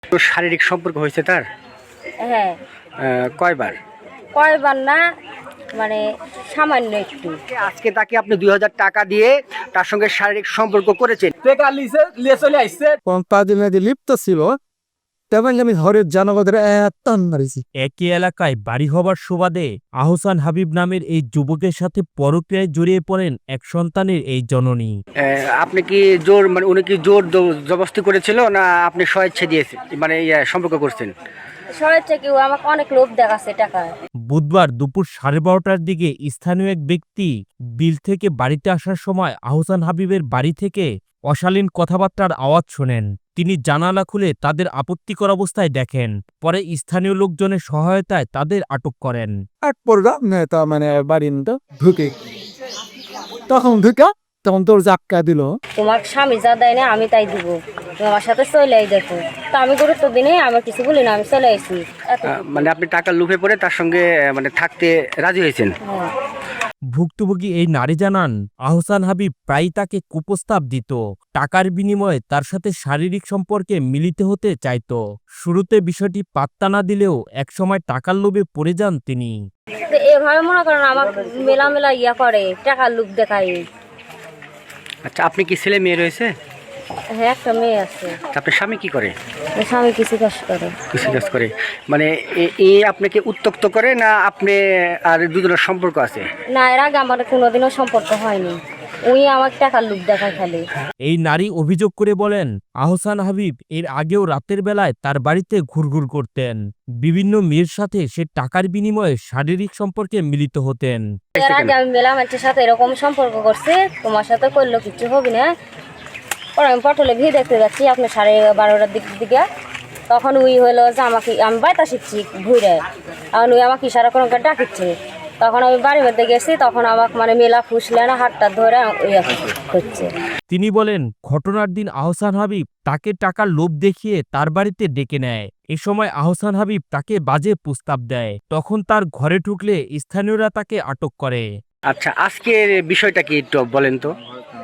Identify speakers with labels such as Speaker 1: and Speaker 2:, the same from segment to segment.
Speaker 1: তো শারীরিক সম্পর্ক হয়েছে তার?
Speaker 2: হ্যাঁ।
Speaker 1: কয়বার?
Speaker 2: কয়বার না, মানে সামান্য একটু।
Speaker 1: আজকে তাকে আপনি 2000 টাকা দিয়ে তার সঙ্গে শারীরিক সম্পর্ক করেছেন।
Speaker 3: লিপ্ত ছিল, তেমন আমি ঘরের জনগণের মারিছি।
Speaker 4: একই এলাকায় বাড়ি হবার সুবাদে আহসান হাবিব নামের এই যুবকের সাথে পরক্রিয়ায় জড়িয়ে পড়েন এক সন্তানের এই জননী।
Speaker 1: আপনি কি জোর, মানে উনি কি জোর জবরদস্তি করেছিল না আপনি স্বেচ্ছা দিয়েছেন, মানে সম্পর্ক করছেন?
Speaker 2: শহর থেকেও আমাকে অনেক লোভ দেখাচ্ছে টাকা।
Speaker 4: বুধবার দুপুর 12:30টার দিকে স্থানীয় এক ব্যক্তি বিল থেকে বাড়িতে আসার সময় আহসান হাবিবের বাড়ি থেকে অশালীন কথাবার্তার আওয়াজ শোনেন। তিনি জানালা খুলে তাদের আপত্তিকর অবস্থায় দেখেন। পরে স্থানীয় লোকজনের সহায়তায় তাদের আটক করেন।
Speaker 3: এক পড়লাম নেতা মানে বাড়ির ঢুকে, তখন তোর জাক্কা দিল।
Speaker 2: তোমার স্বামী যা দেয় না আমি তাই দিব, তুমি আমার সাথে চলে দেখো। তো আমি গুরুত্ব দিনে আমি কিছু বলি না, আমি চলে আসি।
Speaker 1: মানে আপনি টাকা লুফে পড়ে তার সঙ্গে মানে থাকতে রাজি হয়েছেন?
Speaker 2: হ্যাঁ।
Speaker 4: ভুক্তভোগী এই নারী জানান, আহসান হাবিব প্রায়ই তাকে কুপ্রস্তাব দিত। টাকার বিনিময়ে তার সাথে শারীরিক সম্পর্কে মিলিত হতে চাইত। শুরুতে বিষয়টি পাত্তা না দিলেও একসময় টাকার লোভে পড়ে যান তিনি।
Speaker 2: তো এভাবে মনে করেন আমার মেলা ইয়া করে, টাকার লোভ দেখায়।
Speaker 1: আচ্ছা, আপনি কি ছেলে মেয়ে রয়েছে?
Speaker 2: হ্যাঁ, একটা মেয়ে আছে।
Speaker 1: আপনার স্বামী কি করে?
Speaker 2: স্বামী কিছু কাজ করে।
Speaker 1: কৃষি কাজ করে। মানে আপনাকে উত্ত্যক্ত করে না আপনি আর দুজনের সম্পর্ক আছে?
Speaker 2: না, এর আগে আমার কোনোদিনও সম্পর্ক হয়নি, উনি আমাকে টাকার লোভ দেখায় খালি।
Speaker 4: এই নারী অভিযোগ করে বলেন, আহসান হাবিব এর আগেও রাতের বেলায় তার বাড়িতে ঘুরঘুর করতেন। বিভিন্ন মেয়ের সাথে সে টাকার বিনিময়ে শারীরিক সম্পর্কে মিলিত হতেন।
Speaker 2: এর আগে আমি মেলা মানুষের সাথে এরকম সম্পর্ক করছি, তোমার সাথে করলো কিছু হবে না। পরে আমি পটলে ভিড় দেখতে যাচ্ছি আপনি 12:30টার দিকে। তখন উই হলো যে আমাকে, আমি বাইতা শিখছি ঘুরে, এখন উই আমাকে ইশারা করে ডাকিচ্ছে। তখন আমি বাড়ির মধ্যে গেছি, তখন আমাকে মানে মেলা ফুসলে না হাতটা ধরে করছে।
Speaker 4: তিনি বলেন, ঘটনার দিন আহসান হাবিব তাকে টাকার লোভ দেখিয়ে তার বাড়িতে ডেকে নেয়। এ সময় আহসান হাবিব তাকে বাজে প্রস্তাব দেয়। তখন তার ঘরে ঢুকলে স্থানীয়রা তাকে আটক করে।
Speaker 1: আচ্ছা, আজকের বিষয়টা কি একটু বলেন তো?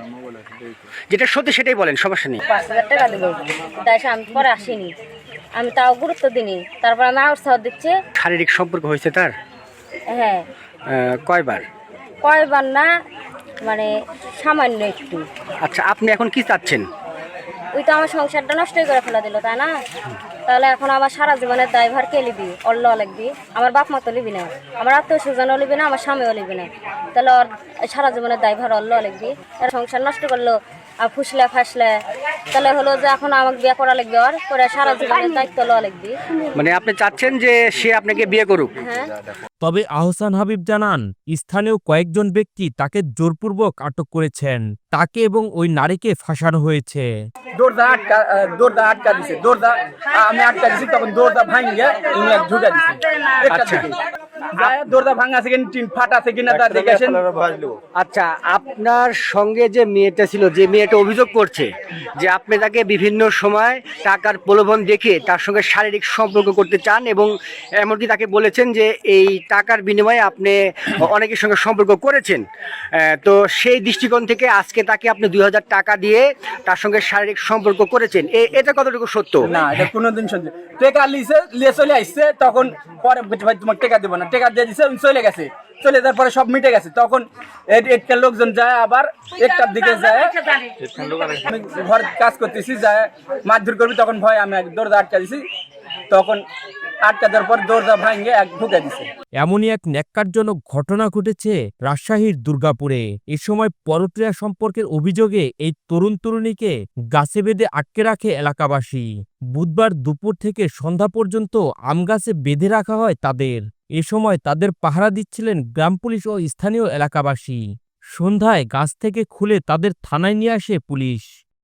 Speaker 1: যেটা সত্যি সেটাই বলেন, সমস্যা নেই।
Speaker 2: 5,000 টাকা দেবো, তাই আমি পরে আসিনি, আমি তাও গুরুত্ব দিইনি। তারপর আমি উৎসাহ দিচ্ছি।
Speaker 1: শারীরিক সম্পর্ক হয়েছে তার?
Speaker 2: হ্যাঁ।
Speaker 1: কয়বার?
Speaker 2: কয়বার না, মানে সামান্য একটু।
Speaker 1: আচ্ছা, আপনি এখন কি চাচ্ছেন?
Speaker 2: ওই তো আমার সংসারটা নষ্টই করে ফেলে দিল, তাই না? তাহলে এখন আমার সারা জীবনের দায়ভার কে লিবি? অল্ল লিখবি, আমার বাপ মা তো লিবি না, আমার আত্মীয় স্বজনও লিবি না, আমার স্বামীও লিবি না। তাহলে ওর সারা জীবনের দায়ভার অল্ল লিখবি। এর সংসার নষ্ট করলো আর ফুসলে ফাসলে, তাহলে হলো যে এখন আমাকে বিয়ে করা লাগবে, ওর করে সারা জীবনের দায়িত্ব লওয়া লিখবি।
Speaker 1: মানে আপনি চাচ্ছেন যে সে আপনাকে বিয়ে করুক?
Speaker 2: হ্যাঁ।
Speaker 4: তবে আহসান হাবিব জানান, স্থানীয় কয়েকজন ব্যক্তি তাকে জোরপূর্বক আটক করেছেন। তাকে এবং ওই নারীকে ফাঁসানো হয়েছে।
Speaker 5: দৌড়দা আটকা দিছে, আমি আটকা দিছি, তখন দৌড়দা ভাঙিয়ে উনি এক ঢুকা দিছে।
Speaker 1: আচ্ছা।
Speaker 5: দৌড়দা ভাঙা আছে কিনা, টিন ফাটা আছে কিনা তা দেখেছেন।
Speaker 1: আচ্ছা, আপনার সঙ্গে যে মেয়েটা ছিল, যে মেয়েটা অভিযোগ করছে যে আপনি তাকে বিভিন্ন সময় টাকার প্রলোভন দেখে তার সঙ্গে শারীরিক সম্পর্ক করতে চান এবং এমনকি তাকে বলেছেন যে এই টাকার বিনিময়ে আপনি অনেকের সঙ্গে সম্পর্ক করেছেন, তো সেই দৃষ্টিকোণ থেকে আজকে তাকে আপনি 2000 টাকা দিয়ে তার সঙ্গে শারীরিক সম্পর্ক করেছেন, এটা কতটুকু সত্য?
Speaker 5: না, এটা কোনোদিন সত্যি। টাকা লিয়ে চলে আসছে, তখন পরে ভাই তোমার টাকা দেবো না, টাকা দিয়ে দিছে, চলে গেছে। চলে যাওয়ার পরে সব মিটে গেছে। তখন একটা লোকজন যায়, আবার একটার দিকে যায়, আমি ঘর কাজ করতেছি, যায় মারধর করবি, তখন ভয় আমি দরজা আটকা দিছি। তখন আটকা দেওয়ার পর দরজা ভাঙে এক ঢুকে দিছে।
Speaker 4: এমনই এক ন্যাক্কারজনক ঘটনা ঘটেছে রাজশাহীর দুর্গাপুরে। এ সময় পরক্রিয়া সম্পর্কের অভিযোগে এই তরুণ তরুণীকে গাছে বেঁধে আটকে রাখে এলাকাবাসী। বুধবার দুপুর থেকে সন্ধ্যা পর্যন্ত আমগাছে বেঁধে রাখা হয় তাদের। এ সময় তাদের পাহারা দিচ্ছিলেন গ্রাম পুলিশ ও স্থানীয় এলাকাবাসী। সন্ধ্যায় গাছ থেকে খুলে তাদের থানায় নিয়ে আসে পুলিশ।